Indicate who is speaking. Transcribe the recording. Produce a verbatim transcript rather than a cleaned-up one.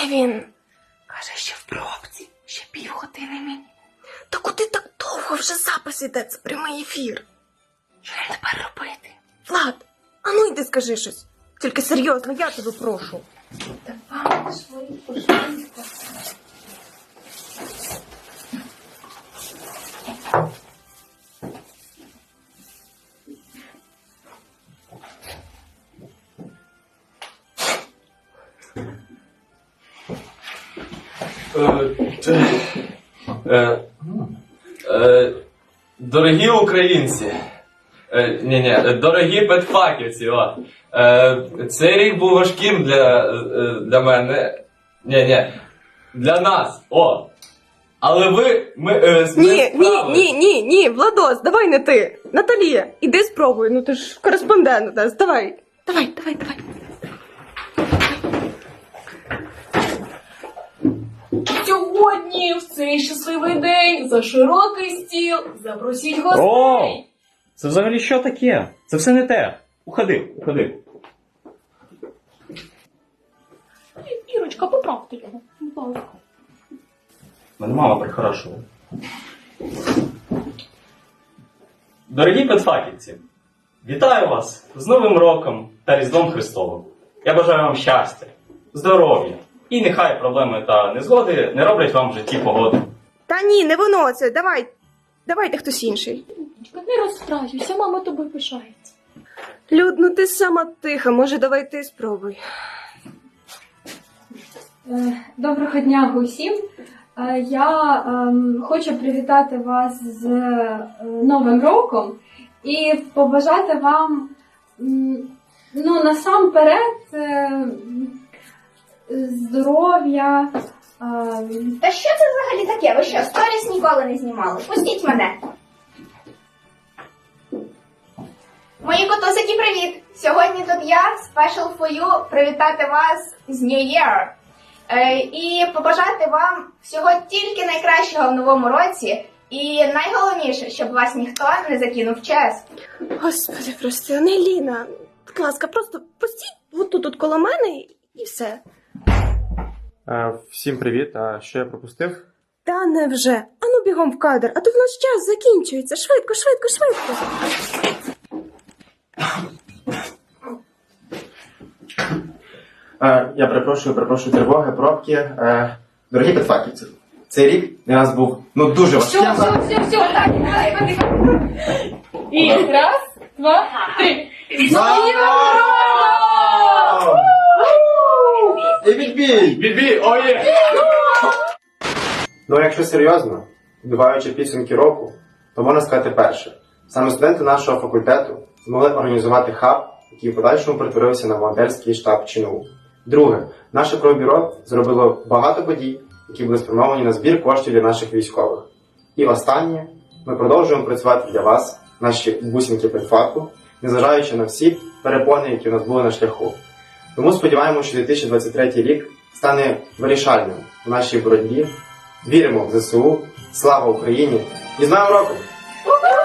Speaker 1: він? Каже, ще в пробці, ще півгодини мені. Та куди так довго вже запис іде, це прямий ефір? Що нам тепер робити? Влад, а ну йди скажи щось. Тільки серйозно, я тебе прошу. Давай свої пожалуйста.
Speaker 2: Е, е, Дорогі українці, е, ні, ні, дорогі педфаківці, о, е, цей рік був важким для, е, для мене, ні, ні, для нас, о, але ви, ми, е, ми
Speaker 1: Ні, ні,
Speaker 2: справились.
Speaker 1: ні, ні, ні, Владос, давай не ти. Наталія, іди спробуй, ну ти ж кореспондент у нас, давай. Давай, давай, давай.
Speaker 3: Сьогодні, в цей щасливий день, за широкий стіл запросіть гостей.
Speaker 4: О! Це взагалі що таке? Це все не те. Уходи, уходи.
Speaker 3: Ірочка, поправте його, будь ласка.
Speaker 4: Мене мама прихорашує. Дорогі педфаківці, вітаю вас з Новим роком та Різдвом Христовим. Я бажаю вам щастя, здоров'я і нехай проблеми та незгоди не роблять вам в житті погоди.
Speaker 1: Та ні, не воно це, давай. Давайте хтось інший.
Speaker 3: Не розстраюйся, мама тобою пишається.
Speaker 1: Люд, ну ти сама тиха, може давай ти спробуй.
Speaker 5: Е, Доброго дня усім. Е, Я ем, хочу привітати вас з е, Новим роком і побажати вам, м, ну, насамперед, е, здоров'я. е,
Speaker 6: Та що це взагалі таке? Ви що, сторіс ніколи не знімали? Пустіть мене. Мої котусики, привіт! Сьогодні тут я, Special for you, привітати вас з New Year. Е, і побажати вам всього тільки найкращого в новому році. І найголовніше, щоб вас ніхто не закинув в час.
Speaker 1: Господи, прости, Ангеліна, будь ласка, просто пустіть отут от коло мене і- і все.
Speaker 7: Е, Всім привіт, а що я пропустив?
Speaker 1: Та невже? Ану бігом в кадр, а то в нас час закінчується. Швидко, швидко, швидко.
Speaker 7: Е, Я перепрошую, перепрошую тривоги, пробки. Е, Дорогі педфаківці, цей рік для нас був ну дуже важким.
Speaker 3: Все, все, все, все, так, давай, І раз, два, три.
Speaker 7: Вау! І відбій!
Speaker 2: Бібі, оє!
Speaker 7: Ну, якщо серйозно, підбиваючи підсумки року, то можна сказати перше. Саме студенти нашого факультету змогли організувати хаб, який в подальшому перетворився на волонтерський штаб ЧНУ. Друге, наше пробюро зробило багато подій, які були спрямовані на збір коштів для наших військових. І останнє, ми продовжуємо працювати для вас, наші бусинки педфаку, незважаючи на всі перепони, які у нас були на шляху. Тому сподіваємося, що дві тисячі двадцять третій рік стане вирішальним в нашій боротьбі. Віримо в ЗСУ, слава Україні і з Новим роком!